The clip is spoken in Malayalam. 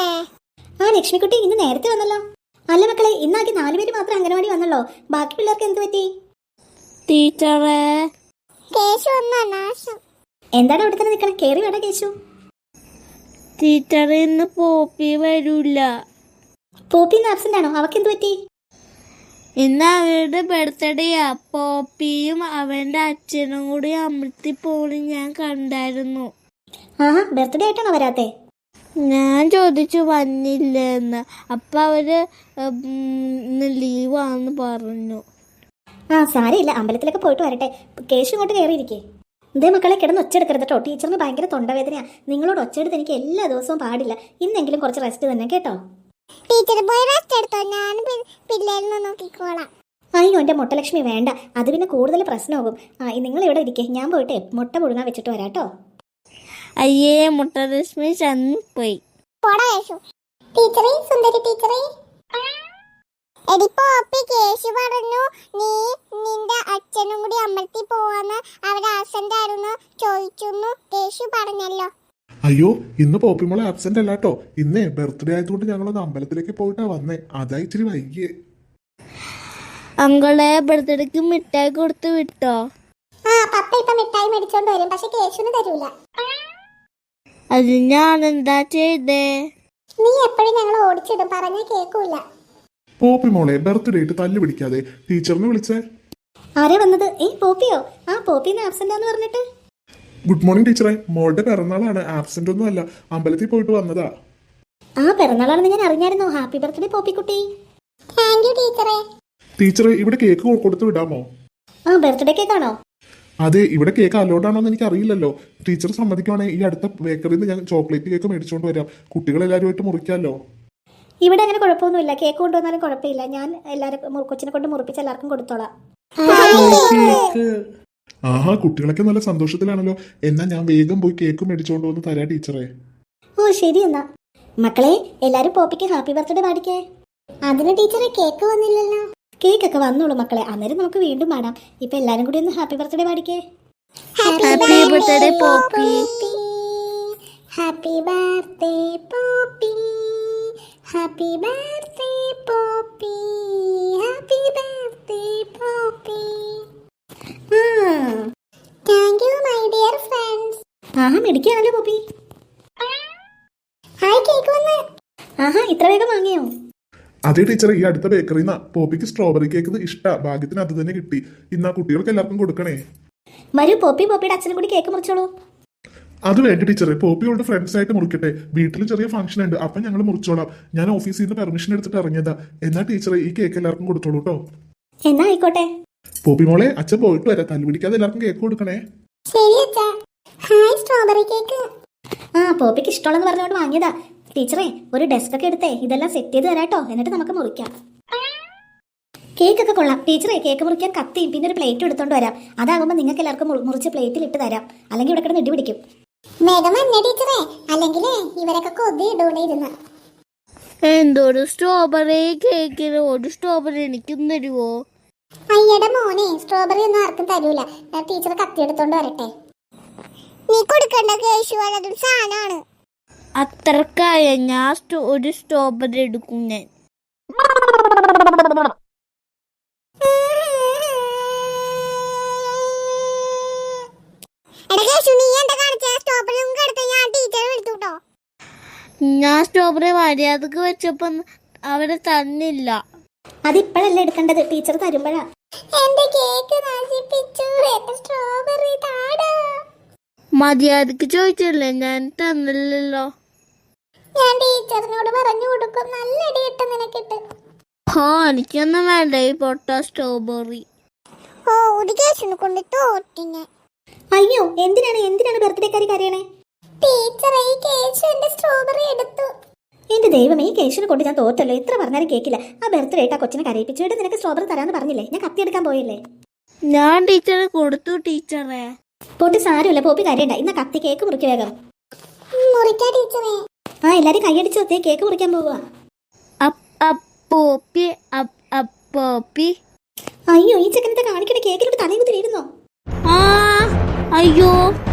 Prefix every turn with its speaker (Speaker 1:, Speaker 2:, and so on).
Speaker 1: ആ ലക്ഷ്മിക്കുട്ടി ഇന്ന് നേരത്തെ വന്നല്ലോ. അല്ല മക്കളെ, ഇന്നാക്കി 4 പേര് മാത്രം അംഗനവാടി വന്നല്ലോ. ബാക്കി പിള്ളേർക്ക് എന്ത് പറ്റി?
Speaker 2: ടീച്ചറെ,
Speaker 1: എന്താണ് അവിടെ തന്നെ നിൽക്കണം? കേറി വേണ്ട കേശു.
Speaker 2: ടീച്ചറെ ഇന്ന് പോപ്പി വരൂല.
Speaker 1: പോപ്പി ഇന്ന് ആബ്സെന്റ് ആണോ? അവക്ക് എന്ത് പറ്റി?
Speaker 2: ഇന്ന് അവരുടെ ബർത്ത്ഡേയാ. പോപ്പിയും അവന്റെ അച്ഛനും കൂടി അമൃത്തി പോലും ഞാൻ കണ്ടായിരുന്നു.
Speaker 1: ആഹാ, ബർത്ത്ഡേ ആയിട്ടാണോ വരാത്തെ?
Speaker 2: ഞാൻ ചോദിച്ചു വന്നില്ലെന്ന്. അപ്പൊ അവര് ഇന്ന് ലീവാന്ന് പറഞ്ഞു.
Speaker 1: ആ സാരമില്ല, അമ്പലത്തിലൊക്കെ പോയിട്ട് വരട്ടെ. കേശു ഇങ്ങോട്ട് കയറിയിരിക്കേ. ഇതേ മക്കളെ, കിടന്ന് ഒച്ചെടുക്കരുത് കേട്ടോ. ടീച്ചറിന് ഭയങ്കര തൊണ്ടവേദനയാ. നിങ്ങളോട് ഒച്ചെടുത്ത് എനിക്ക് എല്ലാ ദിവസവും പാടില്ല. ഇന്നെങ്കിലും കുറച്ച് റെസ്റ്റ് തന്നെ കേട്ടോ.
Speaker 3: ടീച്ചർ പോയി റെസ്റ്റ് എടുത്തോ, ഞാൻ പിള്ളേരിനെ നോക്കിക്കോളാം.
Speaker 1: അയ്യോ എൻ്റെ മുട്ടലക്ഷ്മി വേണ്ട, അത് പിന്നെ കൂടുതൽ പ്രശ്നമാകും. നിങ്ങൾ ഇവിടെ ഇരിക്കേ, ഞാൻ പോയിട്ട് മുട്ട പുഴുങ്ങാൻ വെച്ചിട്ട് വരാട്ടോ.
Speaker 2: അയ്യേ, മുട്ടലക്ഷ്മി ചന്നിപ്പോയി.
Speaker 3: ടീച്ചറേ, സുന്ദരി ടീച്ചറേ, എടി പോപ്പി, കേശു പറഞ്ഞു നീ നിന്റെ അച്ഛനും കൂടി അമ്പലത്തിൽ പോവാന്ന്. അവിടെ ആബ്സെന്റ് ആയിരുന്നു ചോദിച്ചു. കേശു പറഞ്ഞല്ലോ.
Speaker 4: അയ്യോ, ഇന്ന് പോപ്പിമോളെ ആബ്സെന്റ് അല്ലാട്ടോ. ഇന്നേ ബർത്ത്ഡേ ആയതുകൊണ്ട് ഞങ്ങളൊന്ന് അമ്പലത്തിലേക്ക് പോയിട്ടാ വന്നേ. അതാ ഇച്ചിരി വൈകിയേ.
Speaker 2: അങ്കളെ ബർത്ത്ഡേക്ക് മിഠായി കൊടുത്ത് വിട്ടോ?
Speaker 3: പപ്പ ഇപ്പൊ മിഠായി മേടിച്ചോണ്ട് വരും, പക്ഷെ കേശുന് തരൂല.
Speaker 2: അത് ഞാൻ എന്താ ചെയ്തേ?
Speaker 3: നീ എപ്പോഴും ഞങ്ങൾ ഓടിച്ചിടും, പറഞ്ഞാ കേക്കൂല.
Speaker 4: പോപ്പിമോളെ ബർത്ത്ഡേ ആയിട്ട് തല്ലു പിടിക്കാതെ ടീച്ചറിനെ വിളിച്ചേ.
Speaker 1: ആരാ വന്നത്? പോപ്പിയോ? ആ പോപ്പിന്ന് ആബ്സെന്റ് ആന്ന് പറഞ്ഞിട്ട്.
Speaker 4: ഗുഡ് മോർണിംഗ് ടീച്ചറെ. മോളുടെ പിറന്നാളാണ്, ആബ്സെന്റ് ഒന്നും അല്ല. അമ്പലത്തിൽ പോയിട്ട് വന്നതാ.
Speaker 1: ആ പിറന്നാളാണെന്ന് ഞാൻ അറിഞ്ഞായിരുന്നോ. ഹാപ്പി ബർത്ത്ഡേ പോപ്പിക്കുട്ടി.
Speaker 3: താങ്ക് യു ടീച്ചറെ.
Speaker 4: ടീച്ചറെ, ഇവിടെ കേക്ക് കൊടുത്തു വിടാമോ?
Speaker 1: ആ ബർത്ത്ഡേ കേക്കാണോ?
Speaker 4: അതെ, ഇവിടെ കേക്ക് അലോഡ് ആണോ എന്ന് എനിക്ക് അറിയില്ലല്ലോ. ടീച്ചർ സമ്മതിക്കുവാണെങ്കിൽ ഈ അടുത്ത ബേക്കറിയിൽ നിന്ന് ഞാൻ ചോക്ലേറ്റ് കേക്ക് മേടിച്ചുകൊണ്ട് വരാം. കുട്ടികളെല്ലാവരുമായിട്ട് മുറിക്കാമല്ലോ.
Speaker 1: ഇവിടെ അങ്ങനെ കുഴപ്പമൊന്നുമില്ല. കേക്ക് കൊണ്ടുവന്നാലും കുഴപ്പമില്ല. ഞാൻ എല്ലാവരും കൊച്ചിനെ കൊണ്ട് മുറിപ്പിച്ച് എല്ലാവർക്കും കൊടുത്തോളാം.
Speaker 4: ആഹാ, കുട്ടികളൊക്കെ നല്ല സന്തോഷത്തിലാണല്ലോ. എന്നാ ഞാൻ വേഗം പോയി കേക്ക് മേടിച്ചുകൊണ്ട് വന്ന് തരാം ടീച്ചറെ.
Speaker 1: ഓ ശരി എന്നാ. മക്കളെ, എല്ലാരും പോപ്പിക്ക് ഹാപ്പി ബർത്ത്ഡേ പാടിക്കേ.
Speaker 3: അതിന് ടീച്ചറെ കേക്ക് വന്നില്ലല്ലോ.
Speaker 1: കേക്കൊക്കെ വന്നോളൂ മക്കളെ, അന്നേരം നമുക്ക് വീണ്ടും പാടാം. ഇപ്പൊ എല്ലാരും കൂടി ഒന്ന് ഹാപ്പി ബർത്ത്ഡേ പാടിക്കേ.
Speaker 2: Happy birthday Poppy.
Speaker 3: Happy birthday Poppy, happy birthday Poppy, happy birthday Poppy. Thank you my dear friends.
Speaker 1: ആഹാ, മെടിക്കാണല്ലോ പോപ്പി.
Speaker 3: ഹായ്, കേക്ക് വന്ന്.
Speaker 1: ആഹാ, ഇത്ര വേഗം വാങ്ങിയോ?
Speaker 4: അതേ ടീച്ചർ, ഈ അടുത്ത ബേക്കറിയിൽ നിന്ന് പോപ്പിക്ക് സ്ട്രോബെറി കേക്ക് ഇഷ്ടാ. ഭാഗ്യത്തിന് അത് തന്നെ കിട്ടി. ഇന്നാ കുട്ടികൾക്ക് എല്ലാവർക്കും കൊടുക്കണേ.
Speaker 1: വരൂ പോപ്പി, പോപ്പിയുടെ അച്ഛനും കൂടി കേക്ക് മുറിച്ചോളൂ.
Speaker 4: അത് വേണ്ട ടീച്ചറെ, പോപ്പിയോട് ഫ്രണ്ട്സ് ആയിട്ട് മുറിക്കട്ടെ. വീട്ടിൽ ചെറിയ ഫംഗ്ഷൻ ഉണ്ട്, അപ്പൊ ഞങ്ങൾ മുറിച്ചോളാം. ഞാൻ ഓഫീസിൽ നിന്ന് പെർമിഷൻ എടുത്തിട്ട് ഇറങ്ങിയതാ. എന്നാ ടീച്ചറെ, ഈ കേക്ക് എല്ലാവർക്കും കൊടുത്തോളൂ കേട്ടോ.
Speaker 1: എന്നാ ആയിക്കോട്ടെ.
Speaker 4: പോപ്പി മോളെ, അച്ഛൻ പോയിട്ട് വരാം. തല്ലു പിടിക്കാതെ എല്ലാവർക്കും കേക്ക് കൊടുക്കണേ.
Speaker 3: ശരി അച്ഛാ. Hi, strawberry cake.
Speaker 1: പോപ്പിക്ക് ഇഷ്ടമുള്ളെന്ന് പറഞ്ഞുകൊണ്ട് വാങ്ങിയതാ. ടീച്ചറെ, ഒരു ഡെസ്ക് ഒക്കെ എടുത്തേ ഇതെല്ലാം സെറ്റ് ചെയ്ത് തരാട്ടോ. എന്നിട്ട് നമുക്ക് മുറിക്കാം. കേക്കൊക്കെ കൊള്ളാം. ടീച്ചറെ, കേക്ക് മുറിക്കാൻ കത്തിയും പിന്നെ ഒരു പ്ലേറ്റും എടുത്തോണ്ട് വരാം. അതാകുമ്പോൾ നിങ്ങൾക്ക് എല്ലാവർക്കും മുറിച്ച് പ്ലേറ്റിൽ ഇട്ട് തരാം. അല്ലെങ്കിൽ ഇവിടെ കിടന്ന് ഇടി പിടിക്കും.
Speaker 3: വേഗം വന്നേ ടീച്ചറെ, അല്ലെങ്കിൽ ഇവരൊക്കെ കൊതി ഇടൂണിരുന്ന.
Speaker 2: എന്തൊരു സ്ട്രോബെറി കേക്കിന് ഒരു സ്ട്രോബെറി എനിക്കും തരുവോ?
Speaker 3: അയ്യടെ മോനെ, സ്ട്രോബെറി ഒന്നും ആർക്കും തരൂല. ടീച്ചർ കത്തി എടുത്തോണ്ട് വരട്ടെ. നീ കൊടുക്കണ്ട കേശു, അതൊരു സാധനമാണ്.
Speaker 2: അത്രക്കായ ഞാൻ ഒരു സ്ട്രോബെറി എടുക്കും ഞാൻ. ഞാൻ സ്ട്രോബെറി മര്യാദക്ക് വെച്ചപ്പോ അവരെ തന്നില്ല.
Speaker 1: അതിപ്പോഴല്ലേ എടുക്കേണ്ടത്, ടീച്ചർ തരുമ്പോഴാ.
Speaker 3: എന്റെ കേക്ക് നശിപ്പിച്ചു. എന്റെ സ്ട്രോബെറി താടാ.
Speaker 2: മര്യാദക്ക് ചോദിച്ചില്ലേ, ഞാൻ തന്നില്ലല്ലോ.
Speaker 3: ഞാൻ ടീച്ചറിനോട് പറഞ്ഞു കൊടുക്കും. നല്ല ഇടിയിട്ട് നിനക്കിട്ട്.
Speaker 2: എനിക്കൊന്നും വേണ്ട ഈ പൊട്ട സ്ട്രോബെറി.
Speaker 3: ഒരു കേസിനെ കൊണ്ട് തോറ്റിങ്ങ.
Speaker 1: അയ്യോ, എന്തിനാണ് ബർത്ത്ഡേക്കാരി കരയണേ?
Speaker 3: ടീച്ചർ, ഈ കേശു എന്റെ സ്ട്രോബെറി എടുത്തു.
Speaker 1: എന്റെ ദൈവമേ, ഈ കേശുനെ കൊണ്ട് ഞാൻ തോറ്റല്ലോ. എത്ര പറഞ്ഞാലും കേക്കില്ല. ആ ബർത്ത്ഡേ ആയിട്ട് ആ കൊച്ചിനെ കരയിപ്പിച്ചു. ഇവിടെ നിനക്ക് സ്ട്രോബെറി തരാന്ന് പറഞ്ഞില്ലേ? ഞാൻ കത്തി എടുക്കാൻ പോയില്ലേ?
Speaker 2: ഞാൻ ടീച്ചറെ കൊടുത്തു. ടീച്ചറെ
Speaker 1: പോട്ടി, സാരമില്ല. പോപ്പി കരയണ്ട. ഇന്ന കത്തി കേക്ക് മുറിക്ക് വേഗം.
Speaker 3: മുറിക്കാ ടീച്ചറെ.
Speaker 1: എല്ലാരും കൈയടിച്ചു ഒത്തേ കേക്ക് മുറിക്കാൻ പോവുക.
Speaker 2: പോപ്പി.
Speaker 1: അയ്യോ, ഈ ചെക്കനത്തെ കാണിക്കണ കേക്കിലോട്ട് തലയും കുത്തി വീഴുന്നോ?
Speaker 2: അയ്യോ.